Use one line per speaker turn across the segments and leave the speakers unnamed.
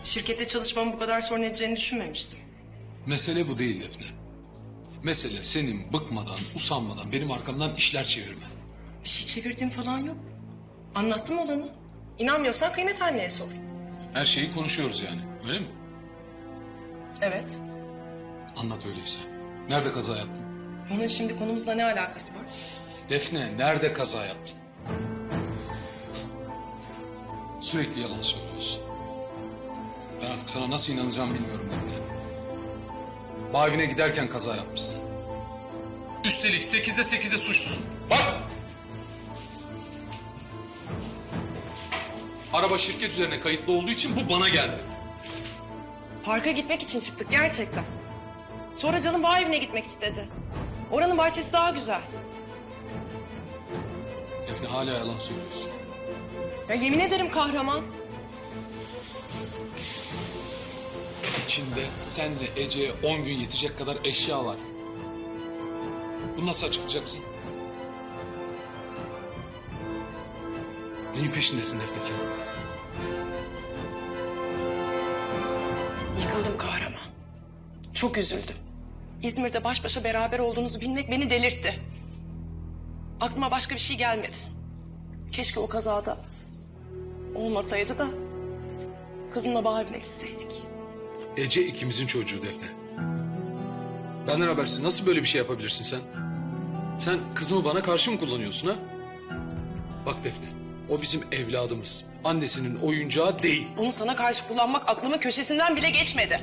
Şirkette çalışmamı bu kadar sorun edeceğini düşünmemiştim.
Mesele bu değil Defne. Mesele senin bıkmadan, usanmadan benim arkamdan işler çevirmen.
Bir şey çevirdiğim falan yok. Anlattım olanı. İnanmıyorsan Kıymet anneye sor.
Her şeyi konuşuyoruz yani, öyle mi?
Evet.
Anlat öyleyse. Nerede kaza yaptın?
Bunun şimdi konumuzla ne alakası var?
Defne, nerede kaza yaptın? Sürekli yalan söylüyorsun. Ben artık sana nasıl inanacağım bilmiyorum Defne. Bağ evine giderken kaza yapmışsın. Üstelik 8'de 8'de suçlusun. Bak! Araba şirket üzerine kayıtlı olduğu için bu bana geldi.
Parka gitmek için çıktık gerçekten. Sonra canım bağ evine gitmek istedi. Oranın bahçesi daha güzel.
Defne hala yalan söylüyorsun.
Ya yemin ederim kahraman.
İçinde senle Ece'ye 10 gün yetecek kadar eşya var. Bunu nasıl açıklayacaksın? Neyin peşindesin Defne sen?
Yıkıldım kahraman. Çok üzüldüm. İzmir'de baş başa beraber olduğunuzu bilmek beni delirtti. Aklıma başka bir şey gelmedi. Keşke o kazada olmasaydı da kızımla bağ evine gitseydik.
Ece ikimizin çocuğu Defne. Benden habersiz nasıl böyle bir şey yapabilirsin sen? Sen kızımı bana karşı mı kullanıyorsun ha? Bak Defne, o bizim evladımız. Annesinin oyuncağı değil.
Onu sana karşı kullanmak aklımın köşesinden bile geçmedi.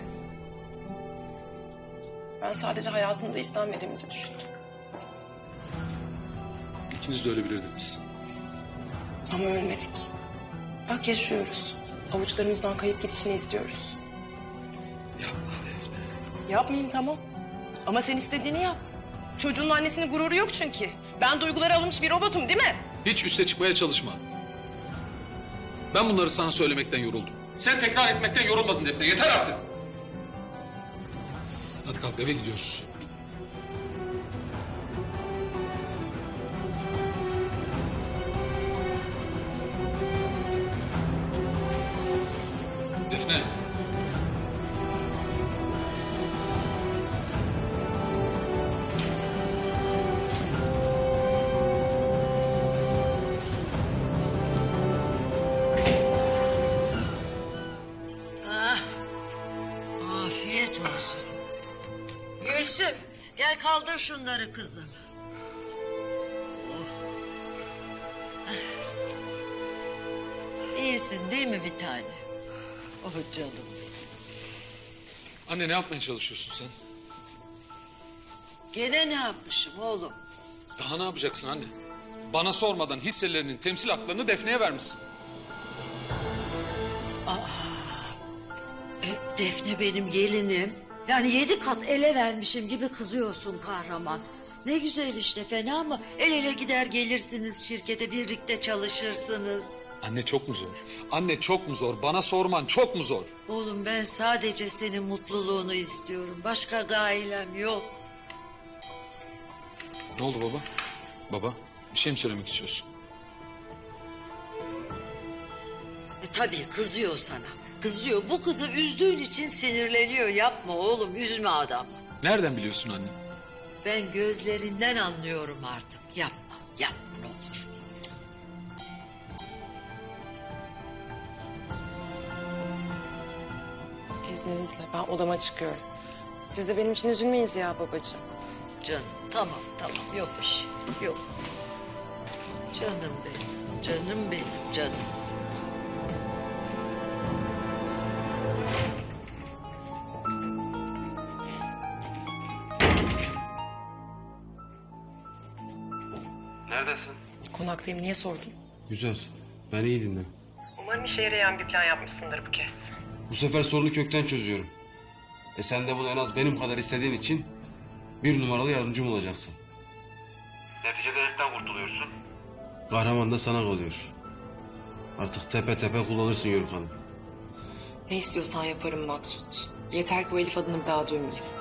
Ben sadece hayatında istenmediğimizi düşünüyorum.
İkiniz de öyle bilirdiniz.
Ama ölmedik. Bak yaşıyoruz. Avuçlarımızdan kayıp gidişini istiyoruz.
Yapma Defne.
Yapmayayım tamam. Ama sen istediğini yap. Çocuğun annesinin gururu yok çünkü. Ben duygulara alınmış bir robotum değil mi?
Hiç üste çıkmaya çalışma. Ben bunları sana söylemekten yoruldum. Sen tekrar etmekten yorulmadın Defne. Yeter artık. Hadi kalk eve gidiyoruz. Defne.
Afiyet olsun. Gülsüm, gel kaldır şunları kızım. Oh. İyisin değil mi bir tane? Oh canım.
Anne ne yapmaya çalışıyorsun sen?
Gene ne yapmışım oğlum?
Daha ne yapacaksın anne? Bana sormadan hisselerinin temsil haklarını Defne'ye vermişsin.
Defne benim gelinim. Yani 7 kat ele vermişim gibi kızıyorsun kahraman. Ne güzel işte, fena mı? El ele gider gelirsiniz şirkete, birlikte çalışırsınız.
Anne çok mu zor? Anne çok mu zor? Bana sorman çok mu zor?
Oğlum ben sadece senin mutluluğunu istiyorum. Başka gailem yok.
Ne oldu baba? Baba bir şey mi söylemek istiyorsun?
Tabii kızıyor sana. Kızıyor. Bu kızı üzdüğün için sinirleniyor. Yapma oğlum, üzme adamı.
Nereden biliyorsun anne?
Ben gözlerinden anlıyorum artık. Yapma, yapma ne olur.
İzninizle ben odama çıkıyorum. Siz de benim için üzülmeyin Ziya babacığım.
Canım tamam tamam, yok bir şey yok. Canım benim, canım benim, canım.
Neredesin?
Konaktayım, niye sordun?
Güzel. Ben iyi dinle.
Umarım işe yarayan bir plan yapmışsındır bu kez.
Bu sefer sorunu kökten çözüyorum. Sen de bunu en az benim kadar istediğin için bir numaralı yardımcım olacaksın. Neticede heriften kurtuluyorsun. Kahraman da sana kalıyor. Artık tepe tepe kullanırsın Yörük Hanım.
Ne istiyorsan yaparım Maksut. Yeter ki o Elif adını bir daha duymayayım.